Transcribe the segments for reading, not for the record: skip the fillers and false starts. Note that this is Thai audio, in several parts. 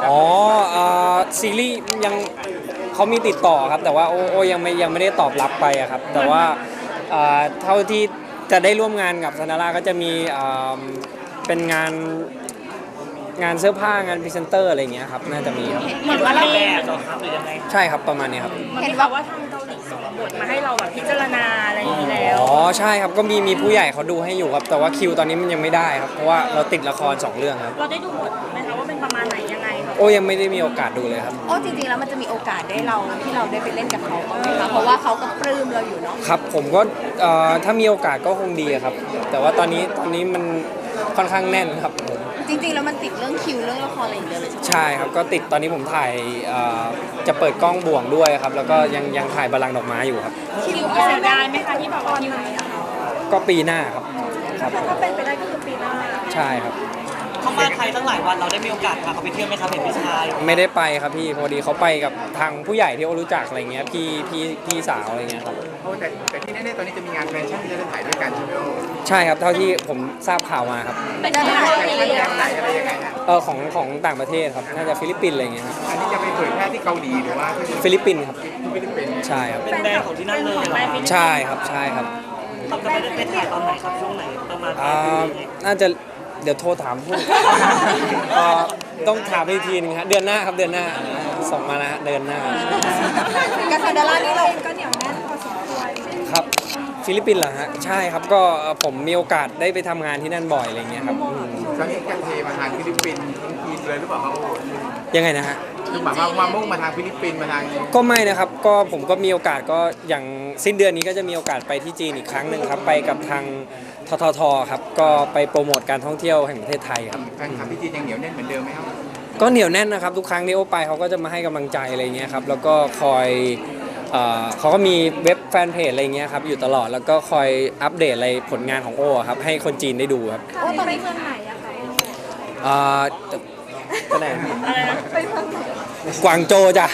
อ๋อซีรีส์ยังเขามีติดต่อครับแต่ว่าโอยังไม่ได้ตอบรับไปอะครับแต่ว่าเท่าที่จะได้ร่วมงานกับซานาร่าก็จะมีเป็นงานเสื้อผ้างานพรีเซนเตอร์อะไรอย่างเงี้ยครับน่าจะมีครับเหมือนว่าเราแบบเหรอครับหรือยังไงใช่ครับประมาณนี้ครับเห็นว่าทางเกาหลีส่งบทมาให้เราแบบพิจารณาอะไรอย่างนี้แล้วอ๋อใช่ครับก็มีผู้ใหญ่เขาดูให้อยู่ครับแต่ว่าคิวตอนนี้มันยังไม่ได้ครับเพราะว่าเราติดละคร2 เรื่องครับเราได้ดูบทไหมคะว่าเป็นประมาณไหนยังไงโอ้ยังไม่ได้มีโอกาสดูเลยครับโอ้จริงๆแล้วมันจะมีโอกาสได้ที่เราได้ไปเล่นกับเขาบ้างไหมคะเพราะว่าเขาก็ปลื้มเราอยู่เนาะครับผมก็ถ้ามีโอกาสก็คงดีครับแต่ว่าตอนนี้มันค่อนข้างแน่นครับผมจริงๆแล้วมันติดเรื่องคิวเรื่องละครอะไรอย่างเดียวเลยใช่ครับก็ติดตอนนี้ผมถ่ายจะเปิดกล้องบ่วงด้วยครับแล้วก็ยังถ่ายบัลลังก์ดอกไม้อยู่ครับคิวเสียดายไหมคะที่แบบว่าคิวก็ปีหน้าครับถ้าเป็นไปได้ก็คือปีหน้าใช่ครับเขามาไทยตั้งหลายวันเราได้มีโอกาสพาเขาไปเที่ยวไหมครับเห็นพี่ชายไม่ได้ไปครับพี่พอดีเขาไปกับทางผู้ใหญ่ที่โอรู้จักอะไรเงี้ยพี่สาวอะไรเงี้ยครับแต่ที่แน่ๆตอนนี้จะมีงานแฟชั่นที่จะได้ถ่ายด้วยกันใช่ไหมโอ้ใช่ครับเท่าที่ผมทราบข่าวมาครับเป็นได้ไหมไหนอะไรยังไงฮะของต่างประเทศครับน่าจะฟิลิปปินส์อะไรเงี้ยครับอันนี้จะไปเผยแพร่ที่เกาหลีหรือว่าที่ฟิลิปปินส์ครับฟิลิปปินส์ใช่ครับเป็นแบรนด์ของที่นั่นเลยใช่ครับใช่ครับเขาจะไปถ่ายตอนไหนครับช่วงไหนประมาณน่าจะเดี๋ยวโทรถามผู้ต้องถามอีกทีนึงครับเดือนหน้าครับเดือนหน้าส่งมาแล้วเดือนหน้ากับซาดาร่านี่เราก็เหนียวแน่นพอสมควรครับฟิลิปปินส์เหรอฮะใช่ครับก็ผมมีโอกาสได้ไปทำงานที่นั่นบ่อยอะไรเงี้ยครับตอนนี้กันเทมาทางฟิลิปปินส์ทีนเลยหรือเปล่าครับโอ้ยังไงนะฮะคือหมายว่ามามุ่งมาทางฟิลิปปินส์มาทางก็ไม่นะครับก็ผมก็มีโอกาสก็อย่างสิ้นเดือนนี้ก็จะมีโอกาสไปที่จีนอีกครั้งหนึ่งครับไปกับทางททครับก็ไปโปรโมทการท่องเที่ยวแห่งประเทศไทยครับแฟนคลับที่จีนยังเหนียวแน่นเหมือนเดิมไหมครับก็เหนียวแน่นนะครับทุกครั้งที่โอไปเขาก็จะมาให้กำลังใจอะไรเงี้ยครับแล้วก็คอยเขาก็มีเว็บแฟนเพจอะไรเงี้ยครับอยู่ตลอดแล้วก็คอยอัปเดตอะไรผลงานของโอครับให้คนจีนได้ดูครับโอ้ตอนนี้เมืองไหนอะคะก็ไหนกวางโจวจ้ะ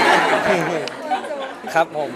ครับผม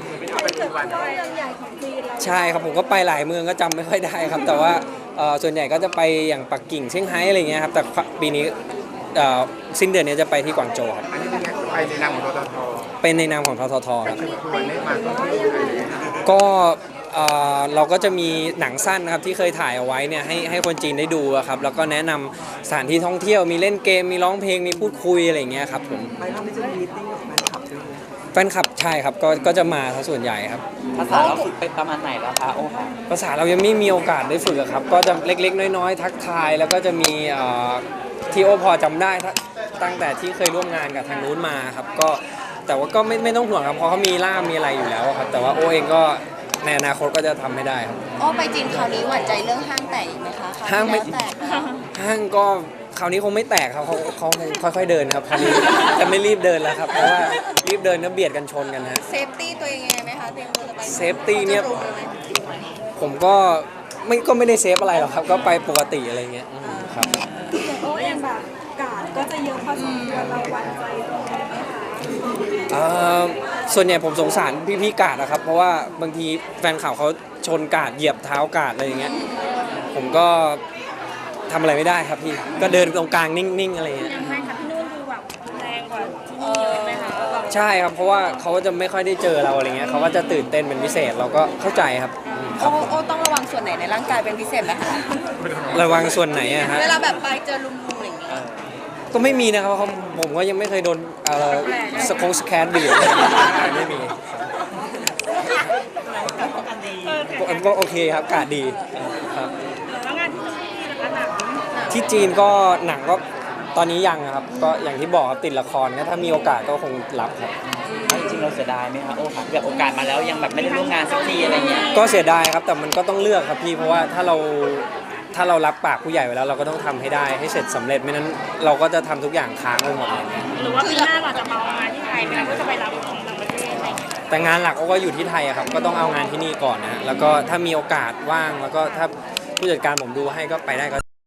ใช่ครับผมก็ไปหลายเมืองก็จำไม่ค่อยได้ครับแต่ว่าส่วนใหญ่ก็จะไปอย่างปักกิ่งเซี่ยงไฮ้อะไรเงี้ยครับแต่ปีนี้สิ้นเดือนนี้จะไปที่กวางโจวครับอันนี้เป็นไงไปในนามของททเป็นในนามของททครับวันนี้มาท่องเที่ยวก็เราก็จะมีหนังสั้นนะครับที่เคยถ่ายเอาไว้เนี่ยให้คนจีนได้ดูครับแล้วก็แนะนำสถานที่ท่องเที่ยวมีเล่นเกมมีร้องเพลงมีพูดคุยอะไรเงี้ยครับผมไปรอบนี้จะมีติ้งกับแฟนคลับด้วยแฟนคลับใช่ครับก็จะมาส่วนใหญ่ครับภาษาเราฝึกไปประมาณไหนแล้วคะโอ้ค่ะภาษาเรายังไม่มีโอกาสได้ฝึกครับก็จะเล็กๆน้อยๆทักทายแล้วก็จะมีที่โอพอจำได้ตั้งแต่ที่เคยร่วมงานกับทางนู้นมาครับก็แต่ว่าก็ไม่ต้องห่วงครับเพราะเขามีล่ามมีอะไรอยู่แล้วครับแต่ว่าโอเองก็ในอนาคตก็จะทำให้ได้ครับโอ้ไปจีนคราวนี้หวั่นใจเรื่องห้างแตกอีกไหมคะห้างไม่แตกห้างก็คราวนี้คงไม่แตกครับเขาค่อยๆเดินครับคราวนี้จะไม่รีบเดินแล้วครับเพราะว่ารีบเดินแล้วเบียดกันชนกันฮะเซฟตี้ตัวเองยังไงไหมคะเตรียมตัวจะไปเซฟตี้เนี่ยผมก็ไม่ได้เซฟอะไรหรอกครับก็ไปปกติอะไรเงี้ยครับโอ้เองแบบกาดก็จะเยอะพอสมควรเราหวั่นใจตรงไหนไหมคะส่วนใหญ่ผมสงสารพี่กาดนะครับเพราะว่าบางทีแฟนข่าวเขาชนกาดเหยียบเท้ากาดอะไรอย่างเงี้ยผมก็ทำอะไรไม่ได้ครับพี่ก็เดินตรงกลางนิ่งๆอะไรเงี้ยยังไงคะพี่นุ่นดูแบบแรงกว่าที่นี่เยอะไหมคะใช่ครับเพราะว่าเขาจะไม่ค่อยได้เจอเราอะไรเงี้ยเขาก็จะตื่นเต้นเป็นพิเศษเราก็เข้าใจครับโอ้ต้องระวังส่วนไหนในร่างกายเป็นพิเศษไหมคะระวังส่วนไหนอะฮะเวลาแบบไปเจอลุมๆอะไรอย่างเงี้ยก็ไม่มีนะครับผมก็ยังไม่เคยโดนสแคนบีบไม่มีก็โอเคครับกาดดีครับแล้วงานที่จีนนะคะหนังที่จีนก็หนังก็ตอนนี้ยังครับก็อย่างที่บอกติดละครก็ถ้ามีโอกาสก็คงรับครับจริงเราเสียดายไหมคะโอ้ค่ะแบบโอกาสมาแล้วยังแบบไม่ได้ร่วมงานสักทีอะไรเงี้ยก็เสียดายครับแต่มันก็ต้องเลือกครับพี่เพราะว่าถ้าเรารับปากผู้ใหญ่ไว้แล้วเราก็ต้องทำให้ได้ให้เสร็จสำเร็จไม่นั้นเราก็จะทำทุกอย่างค้างไปหมดเลยหรือว่าปีหน้าเราจะมาเอางานที่ไทยไหมคะก็จะไปรับของต่างประเทศอะไรแต่งานหลักก็อยู่ที่ไทยครับก็ต้องเอางานที่นี่ก่อนนะแล้วก็ถ้ามีโอกาสว่างแล้วก็ถ้าผู้จัดการผมดูให้ก็ไปได้ก็